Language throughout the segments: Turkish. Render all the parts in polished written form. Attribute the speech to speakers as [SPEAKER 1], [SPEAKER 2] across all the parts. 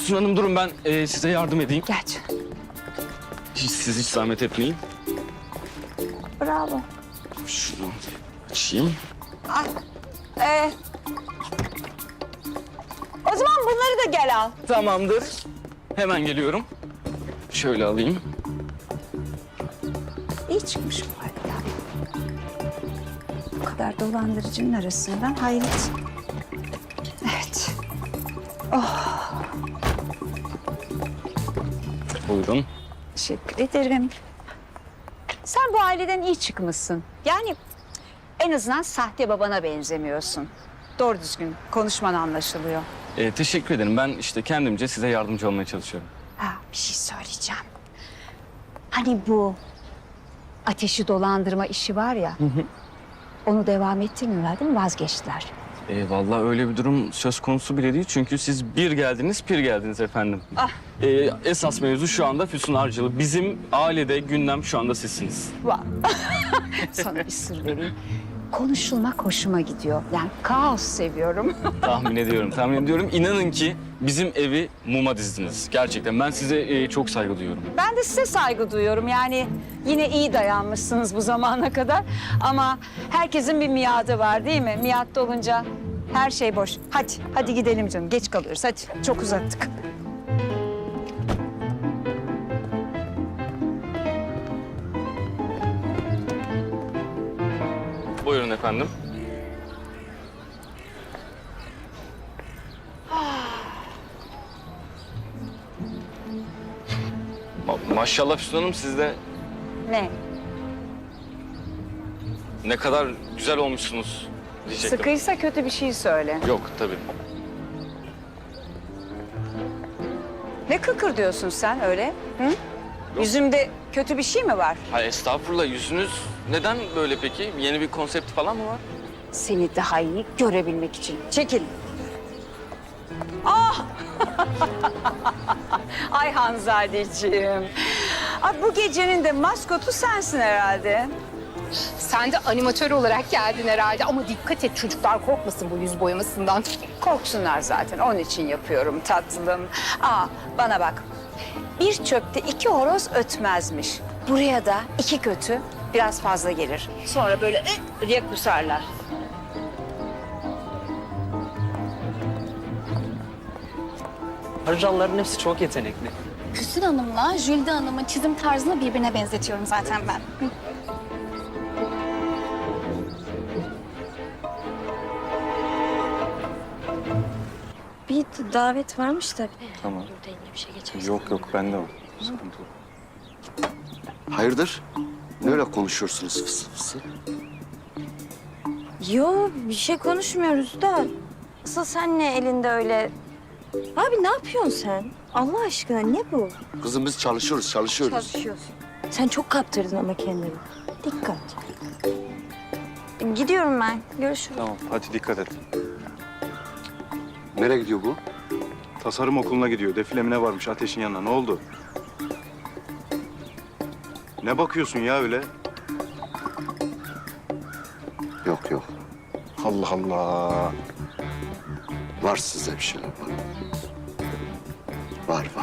[SPEAKER 1] Füsun Hanım durun ben size yardım edeyim.
[SPEAKER 2] Geç.
[SPEAKER 1] Siz hiç zahmet etmeyin.
[SPEAKER 2] Bravo.
[SPEAKER 1] Şunu açayım.
[SPEAKER 2] O zaman bunları da gel al.
[SPEAKER 1] Tamamdır. Hemen geliyorum. Şöyle alayım.
[SPEAKER 2] İyi çıkmış bu arada. Bu kadar dolandırıcının arasından hayret. Evet.
[SPEAKER 1] Buyurun.
[SPEAKER 2] Teşekkür ederim. Sen bu aileden iyi çıkmışsın. Yani en azından sahte babana benzemiyorsun. Doğru düzgün konuşman anlaşılıyor.
[SPEAKER 1] Teşekkür ederim. Ben işte kendimce size yardımcı olmaya çalışıyorum.
[SPEAKER 2] Ha, bir şey söyleyeceğim. Hani bu ateşi dolandırma işi var ya. Onu devam ettirmiyorlar değil mi? Vazgeçtiler.
[SPEAKER 1] Vallahi öyle bir durum söz konusu bile değil. Çünkü siz bir geldiniz, pir geldiniz efendim.
[SPEAKER 2] Ah.
[SPEAKER 1] Esas mevzu şu anda Füsun Arcalı. Bizim ailede gündem şu anda sizsiniz.
[SPEAKER 2] Vay. Sana bir sır vereyim. Konuşulmak hoşuma gidiyor. Yani kaos seviyorum.
[SPEAKER 1] Tahmin ediyorum. İnanın ki bizim evi muma dizdiniz. Gerçekten ben size çok saygı duyuyorum.
[SPEAKER 2] Ben de size saygı duyuyorum. Yani yine iyi dayanmışsınız bu zamana kadar. Ama herkesin bir miadı var değil mi? Miad dolunca her şey boş. Hadi gidelim canım. Geç kalıyoruz. Hadi, çok uzattık.
[SPEAKER 1] Buyurun efendim. Maşallah Füsun Hanım siz de
[SPEAKER 2] Ne?
[SPEAKER 1] ne kadar güzel olmuşsunuz diyecektim.
[SPEAKER 2] Sıkıysa kötü bir şey söyle.
[SPEAKER 1] Yok tabii.
[SPEAKER 2] Ne kıkır diyorsun sen öyle? Hı? Yüzümde kötü bir şey mi var?
[SPEAKER 1] Hayır estağfurullah yüzünüz neden böyle peki? Yeni bir konsept falan mı var?
[SPEAKER 2] Seni daha iyi görebilmek için. Çekil. Ah! Ay Hanzadeciğim. Ay, bu gecenin de maskotu sensin herhalde.
[SPEAKER 3] Sen de animatör olarak geldin herhalde ama dikkat et çocuklar korkmasın bu yüz boyamasından.
[SPEAKER 2] Korksunlar zaten. Onun için yapıyorum tatlım. Bana bak. Bir çöpte 2 horoz ötmezmiş. Buraya da 2 kötü biraz fazla gelir. Sonra böyle diye kusarlar.
[SPEAKER 4] Arjanların hepsi çok yetenekli.
[SPEAKER 5] Füsun Hanım'la Jülde Hanım'ın çizim tarzını birbirine benzetiyorum zaten ben.
[SPEAKER 6] Bir davet varmış da.
[SPEAKER 7] Tamam.
[SPEAKER 6] Burada yine bir şey geçerse.
[SPEAKER 7] Yok bende o. Sıkıntı yok.
[SPEAKER 8] Hayırdır? Ne öyle konuşuyorsunuz fıs fıs?
[SPEAKER 6] Yo, bir şey konuşmuyoruz da. Asıl sen ne elinde öyle? Abi ne yapıyorsun sen? Allah aşkına ne bu?
[SPEAKER 8] Kızım biz çalışıyoruz.
[SPEAKER 6] Çalışıyorsun. Sen çok kaptırdın ama kendini. Dikkat. Gidiyorum ben. Görüşürüz.
[SPEAKER 7] Tamam hadi dikkat et.
[SPEAKER 8] Nereye gidiyor bu?
[SPEAKER 7] Tasarım okuluna gidiyor. Defilemine varmış Ateş'in yanına. Ne oldu? Ne bakıyorsun ya öyle?
[SPEAKER 8] Yok.
[SPEAKER 7] Allah Allah.
[SPEAKER 8] Var size bir şeyler var. Var.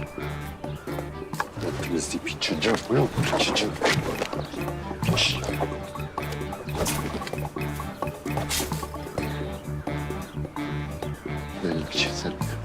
[SPEAKER 8] Hepiniz deyip içeceğim. Yok, içeceğim. Benim için sen.